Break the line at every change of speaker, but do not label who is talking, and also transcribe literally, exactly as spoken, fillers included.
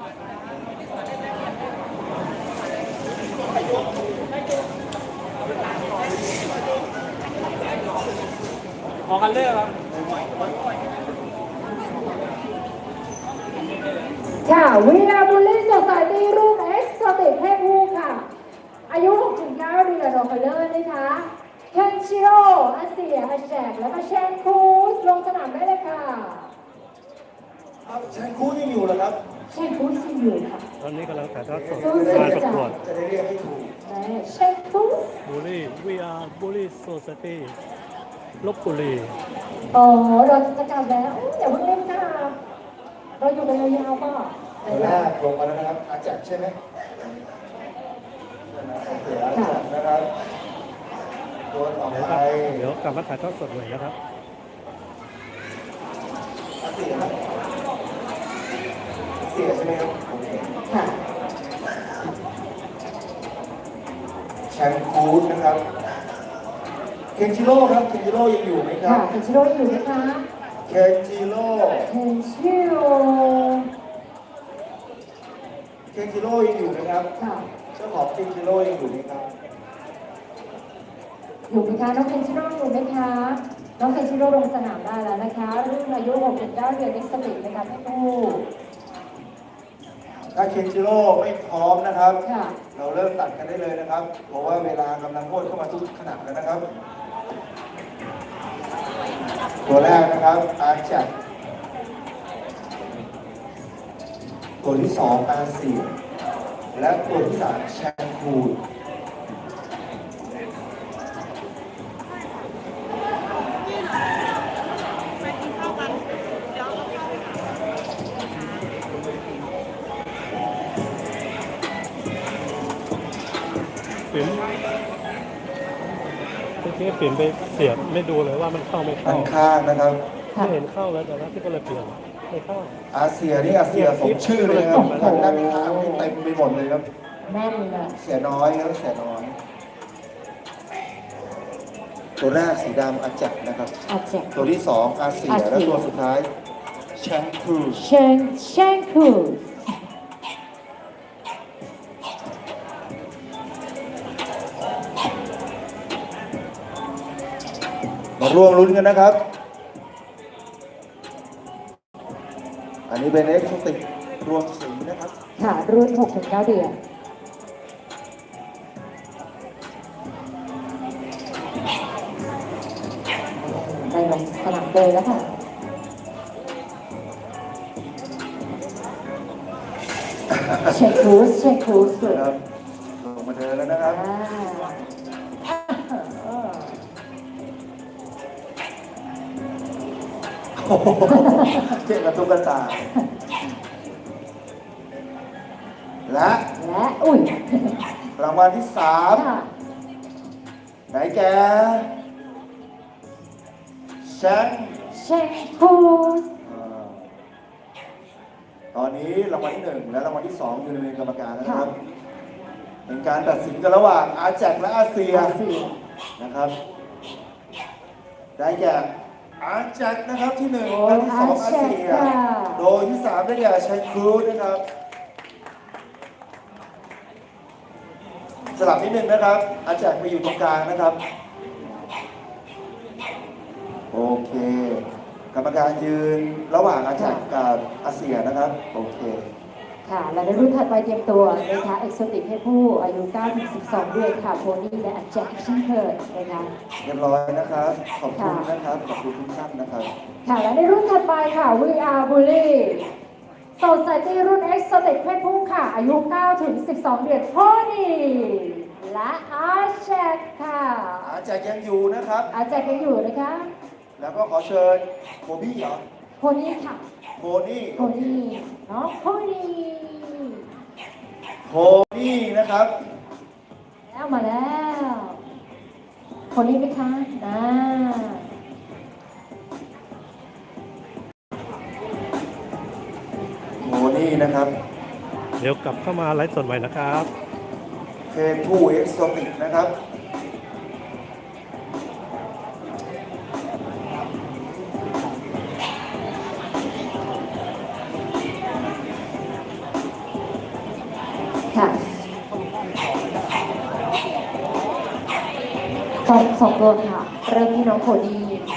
ออกกันเลยครับ
ค่ะวีอาบุลลี่สดใสตีรุ่นเอ็กซ์โซติกเพศผู้ค่ะอายุ หกถึงเก้า เดือนรอคอลเลอร์นะคะเคนชิโร่อาเซียอาแจกแล้วก็เชนคูสลงสนามได้เลยค่ะ
เชนคูสยังอยู่เหรอครับ
เชนคูสยังอยู่ค่ะ
ตอนนี้กำลังถ่ายทอดสด
การ
ประกวด
จะได้เรียกให้ถูก
เชนคูส
บุรี วี อาร์ บุรีโซซตี้ลบบุรี
อ๋อเราจะกลับแล้วอย่าเพิ่งเล่นค่ะเราอยู่กันยาวๆป่ะ
ตัวแรกลงมาแล้วนะครับอาจักใช่ไหมเสียอาจักนะครับตัวต่อไป
เดี๋ยวกลับมาถ่ายทอดสดเลยนะครับ
เสียเสียใช่ไหมครับ
ค่ะ
แชมพูดนะครับเคนจิโร่ครับเคนจิโร่ยังอยู่ไหมครับ
เคนจิโร่ยังอยู่ไหมคะ
เคนจิโร่
เคนจิโร่
เคนจิโร่ยังอยู่ไหมครับ
ค่ะ
เจ้าของเคนจิโร่ยังอยู่ไหมครับ
อยู่ไหมคะน้องเคนจิโร่อยู่ไหมคะน้องเคนจิโร่ลงสนามได้แล้วนะคะรุ่นอายุ หกถึงเก้า เดือนนิสติกนะคะพี่ปู
ถ้าเคนจิโร่ไม่พร้อมนะครับ
ค่ะ
เราเริ่มตัดกันได้เลยนะครับเพราะว่าเวลากำลังโคตรเข้ามาทุกขณะแล้วนะครับตัวแรกนะครับอาจักตัวที่สองอาเซียและตัวที่สามแชนคูด
ปิ่นเมื่อกี้ปิ่นไปเสียบไม่ดูเลยว่ามันเข้าไม่เข้า
ข้างนะครับ
ไม่เห็นเข้าแล้วแต่ว่าที่ก็เลยเปลี่ยนไม่เข้า
อาเซียนี่อาเซียสมชื่อเลยครับทางด้านข้างนี่เต็มไปหมดเลยครับ
แม่นเลย
เสียน้อยครับเสียน้อยตัวแรกสีดำอาจักนะครับ
อาจัก
ตัวที่สองอาเซียและตัวสุดท้ายแชงคู
เชนเชนคู
มาร่วมลุ้นกันนะครับอันนี้เป็นเอ็กซ์โซติกรวมสีนะครับ
ค่ะรุ่น หกถึงเก้า เดือนได้ลงสนามเลยแล้วค่ะเชคคูสเชคคูส
ครับลงมาเดินแล้วนะครับเจ๊กระตุกกระตาและ
และอุ้ย
รางวัลที่สามไหนแกแชง
เชคคูส
ตอนนี้รางวัลที่หนึ่งและรางวัลที่สองอยู่ในมือกรรมการนะครับเป็นการตัดสินกันระหว่างอาแจกและอาเซียนะครับได้แก่อาแจ็คนะครับที่หนึ่งและที่สองอาเซียโดยที่สามได้แก่ชัยครูซนะครับสลับนิดนึงนะครับอาแจ็คไปอยู่ตรงกลางนะครับโอเคกรรมการยืนระหว่างอาแจ็คกับอาเซียนะครับโอเค
ค่ะและในรุ่นถัดไปเตรียมตัวนะคะเอ็กโซติกเพศผู้อายุ เก้าถึงสิบสอง เดือนค่ะโพนี่และอาแจ็คเช่นเคยนะคะ
เรียบร้อยนะครับขอบคุณนะครับขอบคุณทุกท่านนะครับ
ค่ะและในรุ่นถัดไปค่ะ วี อาร์ Bully Society รุ่น Exotic เพศผู้ค่ะอายุ เก้าถึงสิบสอง เดือนโพนี่และอาแจ็คค่ะ
อาแจ็คยังอยู่นะครับ
อาแจ็คยังอยู่นะคะ
แล้วก็ขอเชิญโคบี้เหรอ
โพนี่ค่ะ
โพนี่
โพนี่น้องโพนี่
โพนี่นะครับ
แล้วมาแล้วโพนี่ไหมคะอ่า
โพนี่นะครับ
เดี๋ยวกลับเข้ามาไลฟ์สดใหม่นะครับ
เพศผู้เอ็กโซติกนะครับ
ค่ะ
สองสองตัวค่ะ เริ่มที่น้องโคดี้